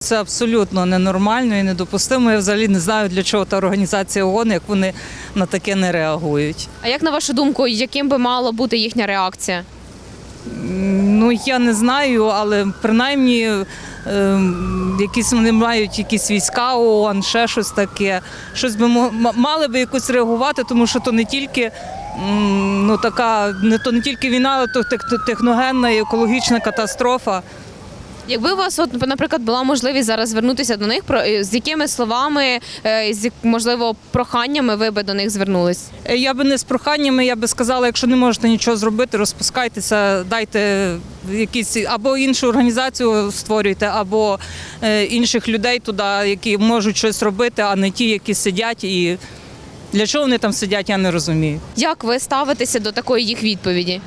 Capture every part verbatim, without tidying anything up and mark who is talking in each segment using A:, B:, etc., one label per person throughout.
A: Це абсолютно ненормально і недопустимо. Я взагалі не знаю, для чого та організація ООН, як вони на таке не реагують.
B: А як на вашу думку, яким би мала бути їхня реакція?
A: Ну, я не знаю, але принаймні е, якісь вони мають якісь війська ООН, ще щось таке. Щось би мали би якось реагувати, тому що то не тільки ну, така, не то не тільки війна, але то техногенна і екологічна катастрофа.
B: Якби у вас, от, наприклад, була можливість зараз звернутися до них, з якими словами, з, можливо, проханнями ви би до них звернулись?
A: Я би не з проханнями, я би сказала, якщо не можете нічого зробити, розпускайтеся, дайте якісь або іншу організацію створюйте, або інших людей туди, які можуть щось робити, а не ті, які сидять. І для чого вони там сидять, я не розумію.
B: Як ви ставитеся до такої їх відповіді?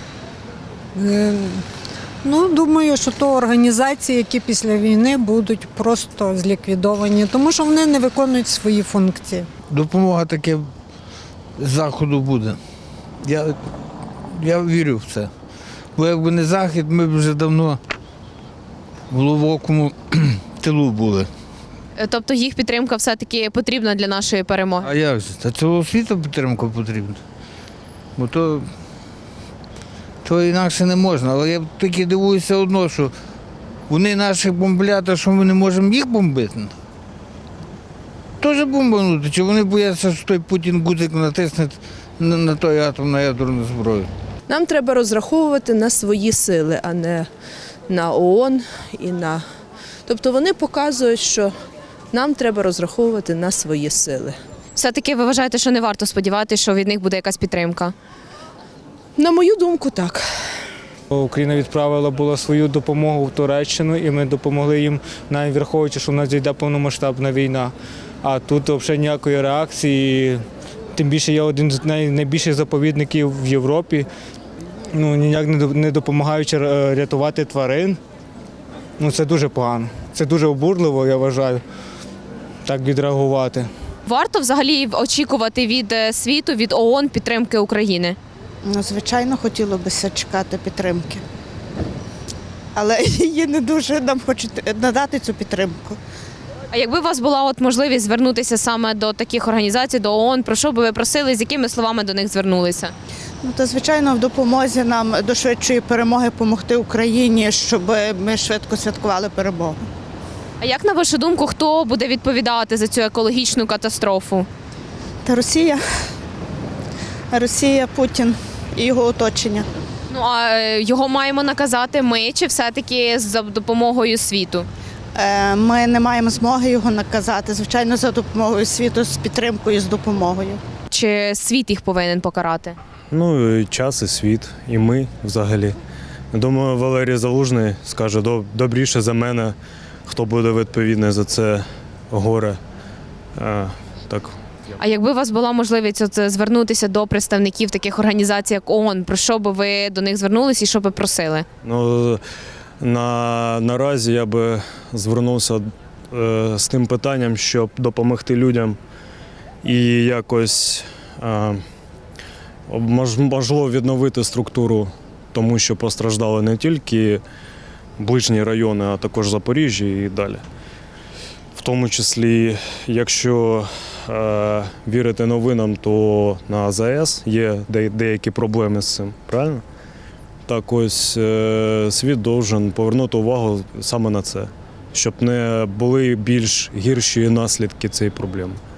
C: Ну, думаю, що то організації, які після війни будуть просто зліквідовані, тому що вони не виконують свої функції.
D: Допомога таке з Заходу буде. Я, я вірю в це. Бо якби не Захід, ми б вже давно в глибокому тилу були.
B: Тобто їх підтримка все-таки потрібна для нашої перемоги?
D: А як же? Та цього світу підтримка потрібна. Бо то... То інакше не можна, але я тільки дивуюся одно, що вони наших бомблять, а що ми не можемо їх бомбити. Теж бомбанути, чи вони бояться, що той Путін гудзик натисне на, на той атом, на ядерну зброю.
E: Нам треба розраховувати на свої сили, а не на ООН і на. Тобто вони показують, що нам треба розраховувати на свої сили.
B: Все-таки ви вважаєте, що не варто сподіватися, що від них буде якась підтримка?
E: На мою думку, так.
F: Україна відправила була свою допомогу в Туреччину, і ми допомогли їм, навіть враховуючи, що в нас йде повномасштабна війна. А тут взагалі ніякої реакції. Тим більше я один з найбільших заповідників в Європі, ну, ніяк не допомагаючи рятувати тварин. Ну, це дуже погано. Це дуже обурливо, я вважаю, так відреагувати.
B: Варто взагалі очікувати від світу, від ООН підтримки України?
G: Ну, звичайно, хотілося б чекати підтримки. Але її не дуже нам хочуть надати цю підтримку.
B: А якби у вас була от можливість звернутися саме до таких організацій, до ООН, про що би ви просили, з якими словами до них звернулися?
G: Ну, то, звичайно, в допомозі нам до швидшої перемоги допомогти Україні, щоб ми швидко святкували перемогу.
B: А як, на вашу думку, хто буде відповідати за цю екологічну катастрофу?
G: Та Росія. Росія, Путін і його оточення.
B: Ну, а його маємо наказати ми чи все-таки за допомогою світу?
G: Ми не маємо змоги його наказати, звичайно, за допомогою світу, з підтримкою, з допомогою.
B: Чи світ їх повинен покарати?
H: Ну, і час, і світ, і ми взагалі. Думаю, Валерій Залужний скаже добріше за мене, хто буде відповідний за це горе. А, так.
B: А якби у вас була можливість от звернутися до представників таких організацій, як ООН, про що би ви до них звернулися і що би просили?
H: Ну, на, наразі я би звернувся е, з тим питанням, щоб допомогти людям і якось е, можливо відновити структуру, тому що постраждали не тільки ближні райони, а також Запоріжжя і далі. В тому числі, якщо е, вірити новинам, то на А З С є деякі проблеми з цим, правильно? Так ось е, світ повинен повернути увагу саме на це, щоб не були більш гірші наслідки цієї проблеми.